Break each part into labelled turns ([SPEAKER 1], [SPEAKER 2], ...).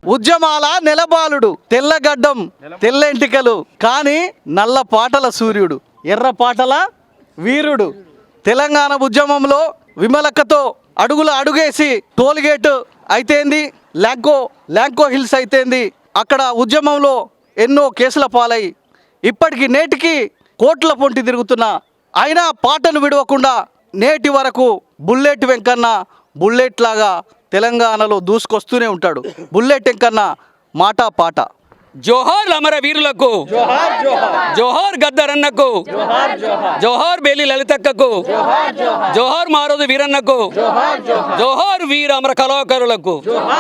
[SPEAKER 1] ఉద్యమాల నెలబాలుడు, తెల్లగడ్డం తెల్లెంటికలు కానీ నల్ల పాటల సూర్యుడు, ఎర్ర పాటల వీరుడు. తెలంగాణ ఉద్యమంలో విమలక్కతో అడుగేసి టోల్గేట్ అయితేంది, ల్యాంకో హిల్స్ అయితేంది, అక్కడ ఉద్యమంలో ఎన్నో కేసుల పాలై ఇప్పటికి నేటికి కోట్ల పొంటి తిరుగుతున్న అయినా పాటను విడవకుండా నేటి వరకు బుల్లెట్ వెంకన్న బుల్లెట్ లాగా తెలంగాణలో దూసుకొస్తూనే ఉంటాడు. బుల్లెట్ వెంకన్న మాట పాట.
[SPEAKER 2] జోహార్ అమర వీరులకు, జోహార్ గద్దరన్నకు, జోహార్ బేలి లలితక్కకు, జోహార్ మారోజు వీరన్నకు, జోహార్ వీర అమర కళాకారులకు.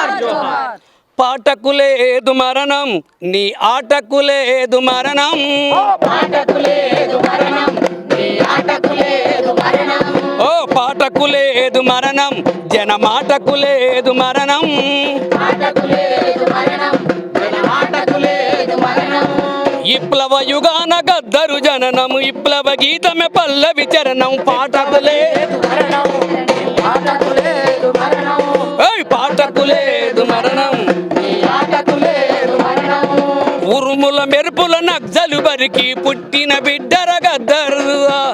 [SPEAKER 2] పాటకు లేదు మరణం, నీ ఆటకు లేదు మరణం. ఓ పాటకు లేదు మరణం, జన మాటకు లేదు మరణం. విప్లవ యుగాన గద్దరు జననం, విప్లవ గీతమే పల్లవి చరణం. పాటకు లేదు మరణం, పాటకు లేదు మరణం. ఉరుముల మెరుపుల నగ్జలు బరికి పుట్టిన బిడ్డర గద్దరు,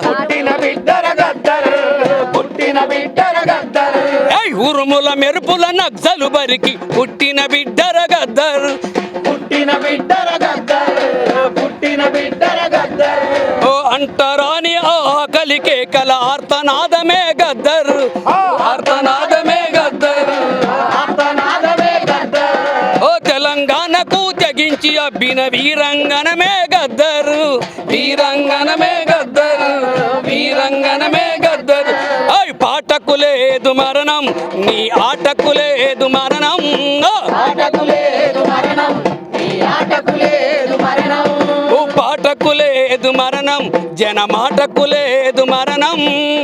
[SPEAKER 2] ఉరుముల మెరుపుల నగ్జలు బరికి పుట్టిన బిడ్డర గద్దరు. ఓ అంటరాని ఆకలి కేకల ఆర్తనాదమే గద్దరు, ఆర్తనాదమే గద్దరు. ఓ తెలంగాణకు తెగించి అబ్బిన వీరంగనమే గద్దరు, వీరంగనమే గద్దరు, వీరంగనమే గద్దరు. ఓయ్ పాటకు లేదు మరణం, నీ ఆటకు లేదు మరణం. పాటకు లేదు మరణం, జన మాటకు లేదు మరణం.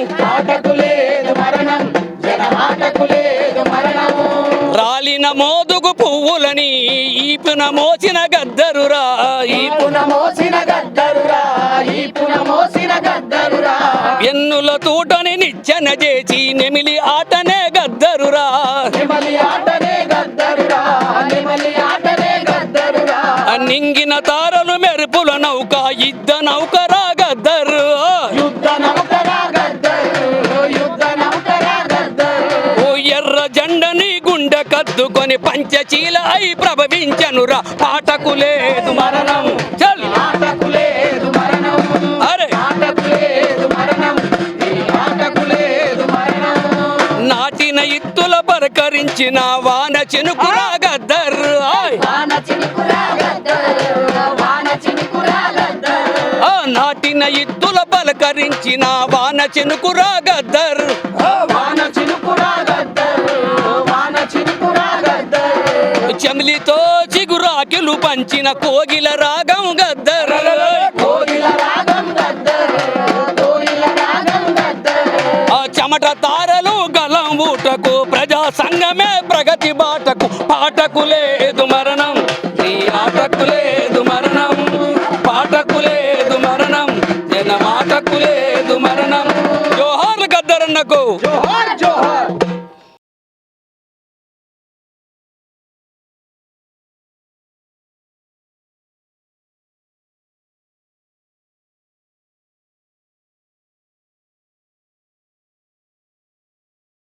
[SPEAKER 2] రాలిన మోదుగు పువ్వులని ఈపున మోసిన గద్దరురా, ఈపున మోసిన గద్దరురా, ఈపున మోసిన గద్దరురా. ఎన్నుల తూటని నిచ్చెన చేసి నెమిలి ఆటనే గద్దరురా, నెమిలి ఆటనే గద్దరురా, నెమిలి ఆటనే గద్దరురా. నింగిన తారలు మెరుపుల నౌక యుద్ధ నౌకరా గద్దరు, యుద్ధ నౌకరా గద్దరు, యుద్ధ నౌకరా గద్దరు. ఓ ఎర్ర జెండని గుండె కద్దుకొని పంచశీల అయి ప్రభవించనురా. పాటకు లేదు మరణం, చల్ పాటకు లేదు మరణం. అరే పాటకు లేదు మరణం, పాటకు లేదు మరణం. నాటిన ఇత్తుల పరకరించిన వాన చినుకురా గద్దరు, వాన చినుకురా గద్దరు, వాన చినుకురా గద్దరు. నాటిన ఇత్తుల పలకరించిన వాన చినుకురా గద్దరు, వాన చినుకురా గద్దరు, వాన చినుకురా గద్దరు. చెమిలితో చిగురాకిలు పంచిన కోగిల రాగం గద్దరు, కోగిల రాగం గద్దరు, కోగిల రాగం గద్దరు. ఆ చెమట తారలు గలం ఊటకు ప్రజా సంఘమే ప్రగతి బాటకు. పాటకు లేదు మరణం, నీ ఆటకు లేదు మరణం. పాటకు లేదు మరణం, జన మాటకు లేదు మరణం. జోహార్ గద్దరన్నకు, జోహార్ జోహార్.